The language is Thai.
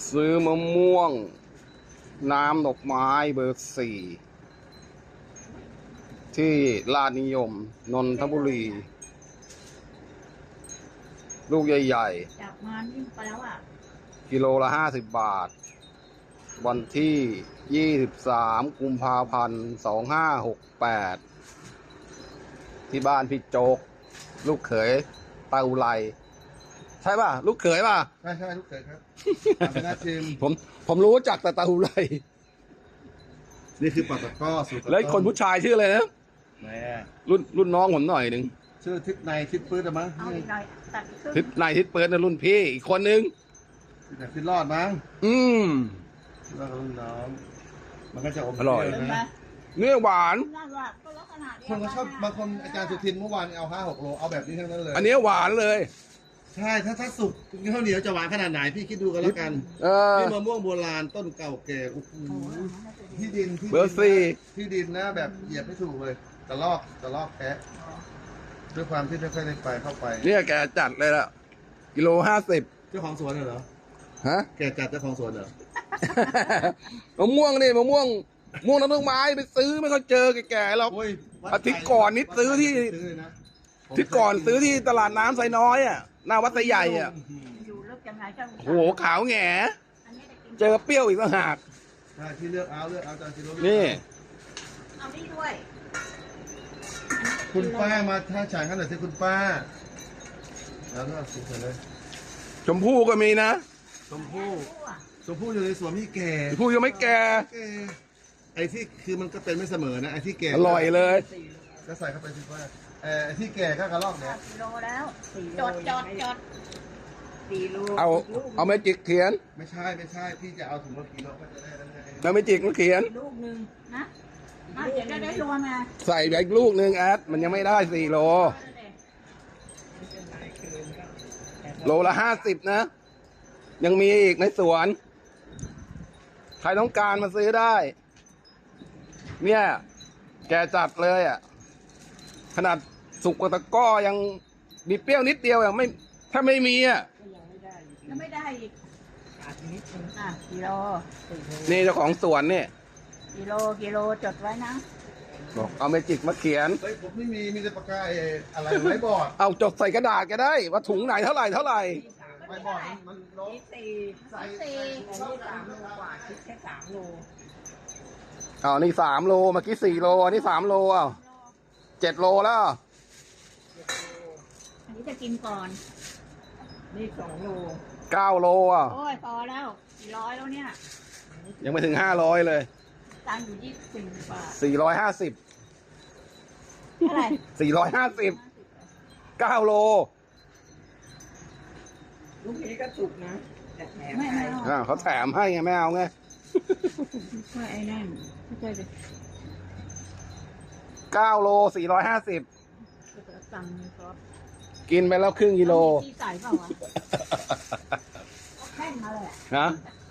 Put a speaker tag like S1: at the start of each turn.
S1: ซื้อมะม่วงน้ำดอกไม้เบอร์ 4ที่ลาดนิยมนนทบุรี ลูกใหญ่
S2: จับมานิ่งไปแล้วอ่ะ
S1: ๆกิโลละ50 บาท วันที่23 กุมภาพันธ์ 2568 ที่บ้านพี่โจ๊ก ลูกเขยตาอุไรใช่ป่ะ ลูกเขยป่ะ
S3: ใช่ลูกเขยครับเป็นอาชิม
S1: ผมรู้จักแต่ตาอุไร
S3: นี่คือปลาตะก้อสูตร
S1: แล้วคนผู้ชายชื่ออะไรนะ
S3: แม่
S1: รุ่นน้องผมหน่อยหนึ่ง
S3: ชื่อทิศในทิศปื้ดอะมั้ง
S2: เอาอีกหน่อยตัดอีกครึ่ง
S1: ทิศนายทิศเปิดนะรุ่นพี่อีกคนนึง
S3: แต่ทิศรอดมั้ง
S1: อืม
S3: แล้วก็รุ่นน้องมันก็จะอม
S1: อร่อย
S3: เป
S2: เห็น
S3: ว
S2: ไหม
S3: นะ
S1: เนื้อหวาน
S2: น่ารักก็ลักษณะเดียว
S3: คนก็ชอบบางคนอาจารย์สุทินเมื่อวานเอา5-6 โลเอาแบบนี้ทั้งนั้นเลย
S1: อันนี้หวานเลย
S3: ใช่ถ้าสุกข้าวเหนียวจะหวานขนาดไหนพี่คิดดูกันแล้วกัน
S1: เออ
S3: นี่มะม่วงโบราณต้นเก่าแก่โอ้โหที่ดินที่
S1: เบอร์ 4
S3: ที่ดินนะแบบเหยียบไม่ถูกเลยกระลอกแคะด้วยความที่ไม่ค่อยได้ไปเข้าไป
S1: เนี่ยแกจัดเลยละกิโล50
S3: เจ้าของสวนเหรอ
S1: ฮะ
S3: แกจัดเจ้าของสวนเหรอ
S1: มะม่วงนี่มะม่วงน้ำดอกไม้ไปซื้อไม่ค่อยเจอแก่ๆหรอก
S3: โอ้ยวัด
S1: อาทิตย์ก่อนนี่ซื้อที่
S3: ซื้อนะ
S1: อาที่ก่อนซื้อที่ตลาดน้ำไซน้อยอ่ะหน้าวัดไซใหญ่อ่ะ
S2: อยู่ลึกยังไงก็
S1: โอ้โหขาวแหง่
S2: อันนี้จะกิน
S1: เจอเปรี้ยวอีกต่างหาก
S3: ใช่ที่เลือกเอาจานกิโล
S1: นี่
S2: เอานี่ด้วย
S3: คุณป้ามาท่าฉางกันหน่อยสิคุณป้าแล้วก็สุกเลย
S1: ชมพู่ก็มีนะ
S3: ชมพู่อยู่ในสวนพี่แก่
S1: ชมพู่ยังไม่แก่
S3: แก่ไอ้ที่คือมันก็เป็นไม่เสมอนะไอ้ที่แก่
S1: อร่อยเลย
S3: ก็ใส่เข้าไปสิป้าไอ้ที่แก่ก็กระลอกเนี่ย
S2: กิโลแล้วจด
S4: 4 โล
S1: เอาเมจิกเขียน
S3: ไม่ใช่พี่จะเอาถุงละกิโลก็จะได้แล้วไง
S1: เอาเมจิกมาเขียน
S4: ลูกหนึ่ง
S2: นะน่าจะได้รวมไง
S1: ใส่ไปอีกลูกหนึ่งแอดมันยังไม่ได้4 โล โลละ50 นะ ยังมีอีกในสวน ใครต้องการมาซื้อได้ เนี่ย แกจัดเลยอ่ะ ขนาดสุกกว่าตะกร้อยังมีเปรี้ยวนิดเดียวอ่ะไม่ถ้าไม่มีอ่ะ
S4: ก็ยังไม่ได้อยู่ดี
S2: ยังไม่ได้อีก
S4: ขาดนิดนึง
S2: อ่ะกิโล
S4: 4 โล
S1: นี่เจ้าของสวนเนี่ย
S2: กิโลจดไว้นะ
S1: บอกเอาเมจิกมาเขียน
S3: เฮ้ยผมไม่มีแต่ปากกาอะไรไม้บอร์ด
S1: เอาจดใส่กระดาษก็ได้ ว่าถุงไหนเท่าไหร่
S3: ไม้บอร์ดมันลบ
S4: นี่4
S3: ใส่
S2: สี่
S4: แต่นี่3 โลกว่าคิดแค่3 โล
S1: เอานี่3 โลเมื่อกี้4 โลอันนี้3 โลอ่ะ7 โลแล้ว
S2: อันนี้จะกินก่อน
S4: นี่2 โล
S1: 9 โลอ่ะ
S2: โอ้ยพอแล้ว400แล้วเนี่ย
S1: ยังไม่ถึง500เลย
S2: ตังค์อยู่24 บาท
S1: 450
S2: เท่าไหร่
S1: 450 9 โล
S4: ลูกนี้ก็สุกนะแต่แถม
S2: ไม่
S4: ให้
S2: เอา
S1: เขาแถมให้ไงไม่เอาไง
S2: ไม่ไอ้นั่นไม่ใช่เลย
S1: 9 โล 450
S2: ตังค์ก็
S1: กินไปแล้วครึ่งกิโล
S2: ที่ใส่เปล่าวะแห้งมาเลยอะ
S1: นะ